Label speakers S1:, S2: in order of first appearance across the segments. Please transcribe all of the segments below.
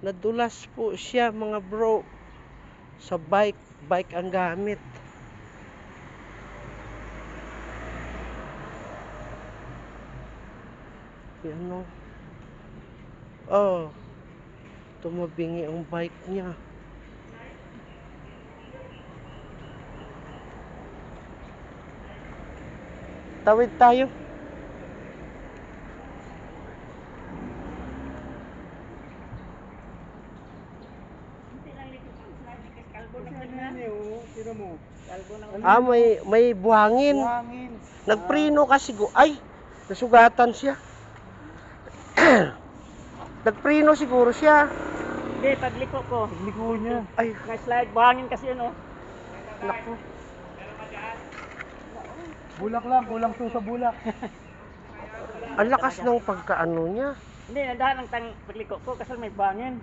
S1: Nadulas po siya mga bro. Sa bike. Bike ang gamit. Yan o. Oh. Tumabingi ang bike niya. Tawid tayo. May buhangin. Nagprino kasi ay, nasugatan siya. Nagprino siguro siya.
S2: Hindi, pagliko ko.
S3: Pagliko niya.
S1: Ay,
S2: Na-slide, buhangin kasi yun, oh.
S1: naku.
S3: Bulak lang, kulang to sa bulak.
S1: Ang lakas ng pagkaano niya.
S2: Hindi, nadahan ang pagliko ko kasi may buhangin.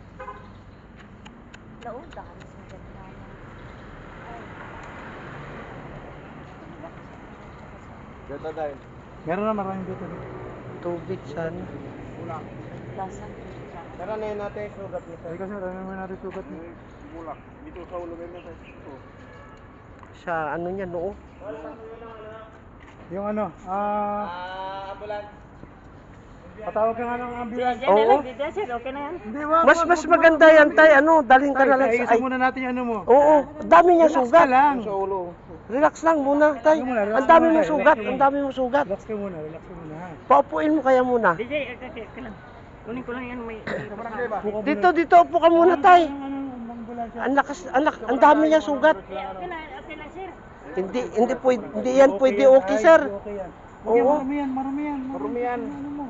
S3: Dito dahil. Meron na maraming dito.
S1: Tubig sana.
S3: Bulak. Tara na yun natin, sugat nito. Ay kasi, tara naman natin sugat nito. Bulak. Dito sa ulo ganyan ito.
S1: Sa ano niya noo.
S3: Yung ano, ambulance. Patawag ka nga ng ambulance.
S1: Oo.
S2: Okay na yan.
S3: Hindi, wag.
S1: Mas maganda yan tay, ano, dalhin ka na lang sa
S3: Ayusin muna natin yung ano mo.
S1: Oo, ang dami niya
S3: Relax ka
S1: sugat.
S3: lang. Sa ulo.
S1: Relax lang muna tay. Ang dami mong sugat, ang dami mong sugat.
S3: Relax ka muna, relax ka muna. Ha?
S1: Paupuin mo kaya muna.
S2: DJ, okay lang. Kunin ko lang yan, may...
S1: Dito upo ka muna tay. Ang dami niya sugat.
S2: Okay lang, sir.
S1: Hindi yan pwede okay sir. Oo.
S3: Marami yan.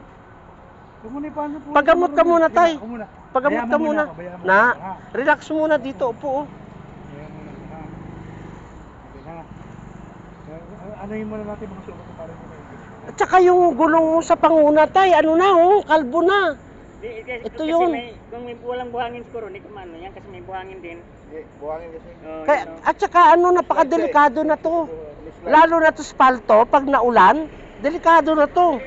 S1: Pagamot ka muna tay. Pagamot ka muna.
S3: Bayaan mo
S1: Na,
S3: ha?
S1: relax muna dito, upo.
S3: Bayaan mo na, ha? Okay, ha? Anahin muna natin mga sugat para mo kayo.
S1: At saka yung gulong mo sa panguna tay, ano na kalbo na. Ito yun.
S2: Kung may walang buhangin siguro, hindi ko maano yan kasi may buhangin din.
S3: Buhangin kasi.
S1: Kaya, at saka napakadelikado na to. Lalo na to spalto, pag naulan, delikado na to.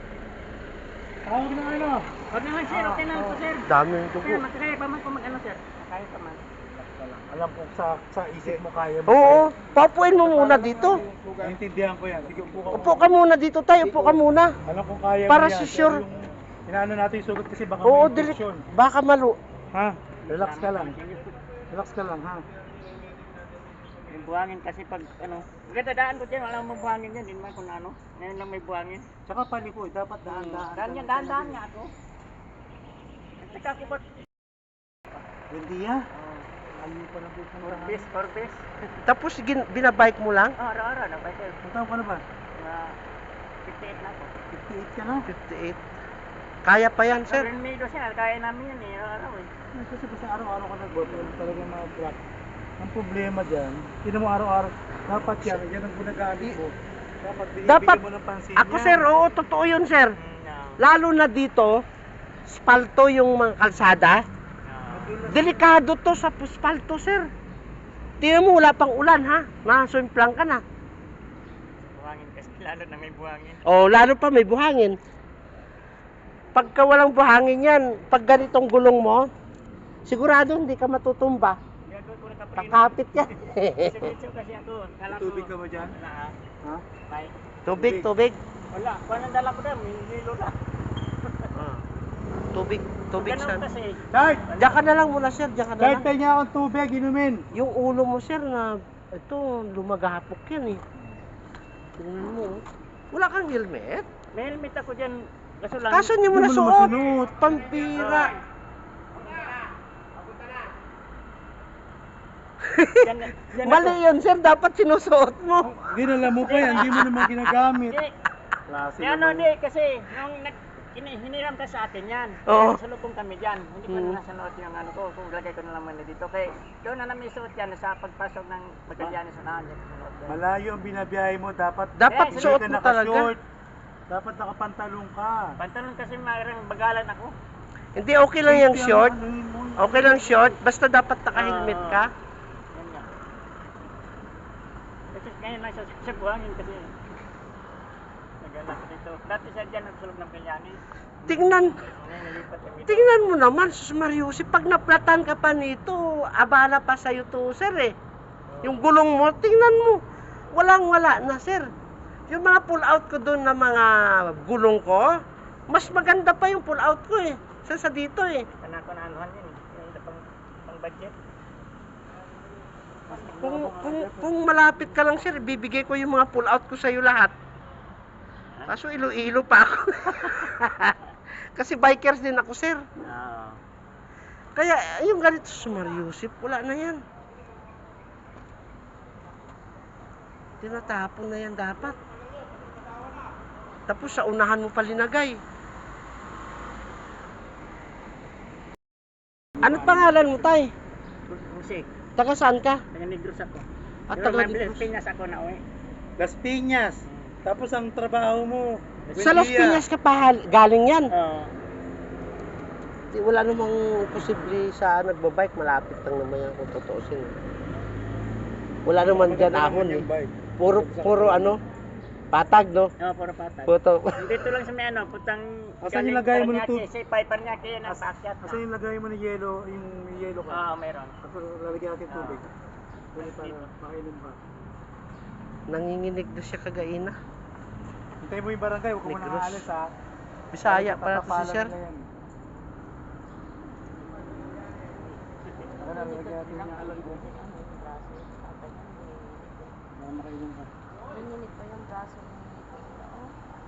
S3: Tawag na ano?
S2: Huwag naman, sir. Okay na po, sir.
S1: Dami yung
S2: Sir,
S1: dugo.
S2: magkakaya pa man kung mag-ano, sir. Kaya pa man.
S3: Alam ko sa isip mo kaya mo.
S1: Oo, papuin mo muna dito.
S3: Naintindihan ko yan. Sige, upo ka.
S1: Upo ka muna dito tayo, upo ka muna.
S3: Alam ko kaya
S1: Para
S3: mo yan.
S1: sure.
S3: Pero yung inaano natin yung sugat kasi baka
S1: Oo,
S3: may infection.
S1: baka
S3: Ha? Relax ka lang. Relax ka lang, ha?
S2: Yung buhangin kasi pag ano, dadaan ko dyan, wala mong buhangin dyan, din man kung ano, ngayon lang may buhangin.
S3: Tsaka palikoy, dapat dahan-dahan.
S2: Dahan nga ako. At saka ako ba't?
S3: Hindi ya. Ayun pa na po sa
S2: Forbes.
S1: Tapos binabike mo lang?
S2: Araw-araw na ba, sir?
S3: Ang taon ka na ba?
S2: 58 na ako.
S3: 58 ka na?
S1: 58. Kaya pa yan, sir.
S2: Sir, Mido siya, kaya namin yan eh, araw eh.
S3: Kasi basta araw-araw ka nag-work, talaga ma-block. Ang problema dyan, hindi mo araw-araw, dapat yan ang gunagamit mo. Dapat mo ng pansin
S1: Ako sir, oo, totoo yun sir. Lalo na dito, spalto yung mga kalsada. Delikado to sa spalto sir. Tingnan mo, wala pang ulan ha. Nasumplang ka na.
S2: Buhangin kasi, lalo na may buhangin.
S1: Oh, lalo pa may buhangin. Pagka walang buhangin yan, pag ganitong gulong mo, sigurado hindi ka matutumba. Kakapit yan.
S2: Kasi ako,
S3: tubig ka ba dyan? Ha?
S1: Tubig.
S2: Wala, kung anong dala ko dyan, may nilo na.
S1: Tubig sir.
S2: Kasi,
S3: Dart!
S1: Diyan ka na lang muna sir, diyan ka na
S3: Dart,
S1: lang.
S3: tayo niya akong tubig, inumin.
S1: Yung ulo mo sir na, ito, lumagahapok yan eh. Tingnan mo. Wala kang helmet?
S2: may helmet ako dyan, kaso lang.
S1: Kaso hindi mo
S3: Hindi mo
S1: nasuot.
S3: naman sinuot.
S1: Pampira. Mali yun sir, dapat sinusuot mo.
S3: Ginala mo pa yan, hindi mo naman ginagamit. Klase
S2: Ano
S3: naman.
S2: di, kasi nung hiniram ka sa atin yan.
S1: Oo.
S2: Salubong kami dyan. Hindi ko na nasuot yung ano ko. Kung lagay ko na naman na dito. Kaya doon na namin suot yan sa pagpasok ng Magallanes sa nahan.
S3: Malayo ang binabiyahe mo, dapat
S1: Dapat
S2: Eh,
S1: suot
S3: ka
S1: mo talaga.
S3: naka-short. Dapat nakapantalong ka.
S2: Pantalon kasi marang bagalan ako.
S1: Hindi, okay lang yung short. Okay lang short, basta dapat naka-helmet ka.
S2: Yan nga. Kasi ngayon lang sa buhangin kasi. Nagala ko dito. Dati siya dyan nagsulog ng Magallanes.
S1: Tingnan.
S2: Ngayon nalipat kami
S1: tingnan mo naman, sus Mariusi, pag naplatan ka pa nito, abala pa sa'yo to, sir eh. Yung gulong mo, tingnan mo, walang-wala na, sir. Yung mga pull-out ko doon na mga gulong ko, mas maganda pa yung pull-out ko eh. Sa dito eh.
S2: Kana ko na anuhan yun. Yung pang budget.
S1: Kung malapit ka lang, sir, bibigay ko yung mga pull-out ko sa'yo lahat. Kaso ilo-ilo pa ako. Kasi bikers din ako, sir.
S2: Oo.
S1: Kaya yung ganito sa Mariusip, wala na yan. Tinatapon na yan dapat. Tapos sa unahan mo palinagay. Ano pangalan mo, tay?
S2: Musik.
S1: Taga saan ka?
S2: Taga Negros ako.
S1: At
S2: Pero
S1: taga
S2: may
S1: Negros.
S2: Pinas ako na uwi.
S3: Las Piñas. Tapos ang trabaho mo,
S1: Sa Las
S3: Buendia.
S1: Piñas ka pa galing yan.
S2: Oo.
S1: Wala namang posible sa nagbabike, malapit lang naman yan kung totoosin. Wala naman dyan ahon eh. Puro ano, patag no?
S2: Oo, puro patag.
S1: Puto.
S2: Dito lang sa may ano, putang...
S3: Asan yung lagay mo nito?
S2: Si Piper niya kaya nasa akyat
S3: Kasi yung lagay mo ng yelo, yung yelo
S2: Oo,
S3: ka.
S2: meron.
S3: Tapos lalagyan natin tubig. Dali para makainom ka.
S1: Nanginginig na siya kagaina.
S3: Hintay mo yung barangay, huwag ka muna
S1: Negros.
S3: aalis ha.
S1: Bisaya pala to si
S3: Tatapalan
S1: sir.
S3: nila yan. Ano, lalagyan natin yung alam ko. Para makainom ka.
S4: Nanginit pa yung braso ni Kuya.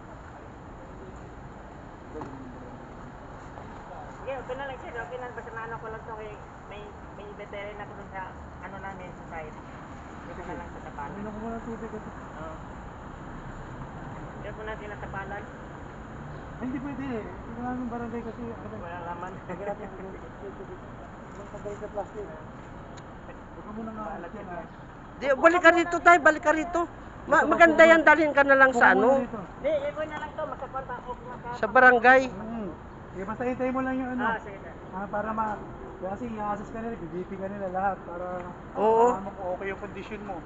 S2: Sige, okay na lang sir. Okay na. Basta maano ko lang to kay may veteran ako dun sa ano namin sa site. Dito na lang sa tapalan.
S3: Inom ko muna tubig kasi.
S2: Oo. Dito ko na tinatapalan.
S3: Ay, hindi pwede eh. Hindi ko namin barangay kasi ano ba?
S2: Wala laman.
S3: Lagyan natin yung tubig. Yung pagkalit sa plastic. Huwag ka muna nga alat yan ha.
S1: Di, balik ka rito tayo, balik ka rito. Maganda yan, dalhin ka na lang sa ano,
S2: Hindi, ikaw na lang to. Makapunta ako.
S1: sa barangay.
S3: Sige, basta hintay mo lang yung ano.
S2: Sige sir.
S3: Para kasi i-assess ka nila, bibiti ka nila lahat para
S1: Oo.
S3: malaman kung okay yung condition mo.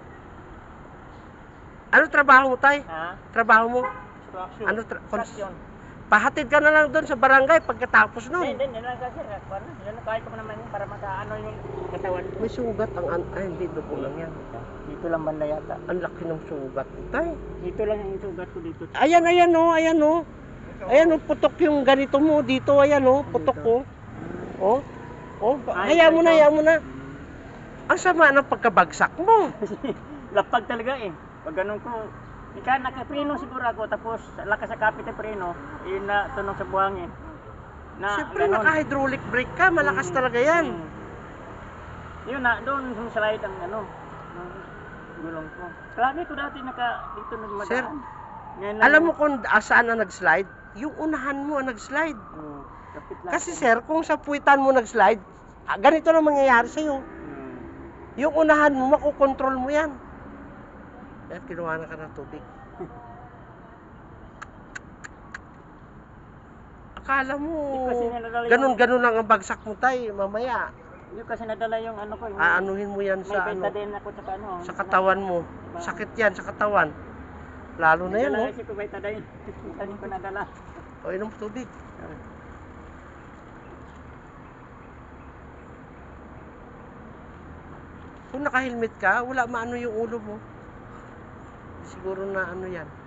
S1: Ano trabaho mo tay?
S2: Ha?
S1: Trabaho mo?
S3: Construction.
S1: Ano
S2: Construction.
S1: pahatid ka na lang doon sa barangay pagkatapos nun.
S2: Hindi, hindi lang kasi. Ano, yun, kahit ko naman yun para makaano yung katawan.
S1: May sugat ay hindi, dugo lang yan.
S2: Dito lang banda yata.
S1: Ang laki ng sugat tay.
S2: Dito lang yung sugat ko dito.
S1: Ayan, ayan oh, ayan oh. Ayan oh, putok yung ganito mo dito, ayan oh, putok ko. Oh. Oh, hayaan mo na, hayaan mo na. Ang sama ng pagkabagsak mo.
S2: Lapag talaga eh. Pag ganun ko, ika nakapreno siguro ako tapos lakas sa kapit ng preno, yun na tunog sa buhangin.
S1: Siyempre naka-hydraulic brake ka, malakas talaga yan.
S2: Yun na, doon yung slide ang ano, ng gulong ko. Grabe ko dati dito nagmadaan.
S1: Sir,
S2: Ngayon
S1: alam mo kung saan ang nag-slide? Yung unahan mo ang nag-slide.
S2: kapit lang.
S1: Kasi sir, kung sa puwitan mo nag-slide, ganito na mangyayari sa'yo. Yung unahan mo, makukontrol mo yan. At kinuha na ka ng tubig. Akala mo,
S2: Kasi nadala yung-
S1: ganun-ganun lang ang bagsak mo tay, mamaya.
S2: Yung kasi nadala yung ano ko. Yung,
S1: Aanuhin mo yan
S2: may
S1: sa ano,
S2: betadine ako sa ano.
S1: sa katawan mo. Sakit yan sa katawan. Lalo na yan,
S2: Nadala
S1: no?
S2: kasi ko betadine. Betadine ko nadala.
S1: O, inom tubig. Kung naka-helmet ka, wala maano yung ulo mo. Siguro na ano yan.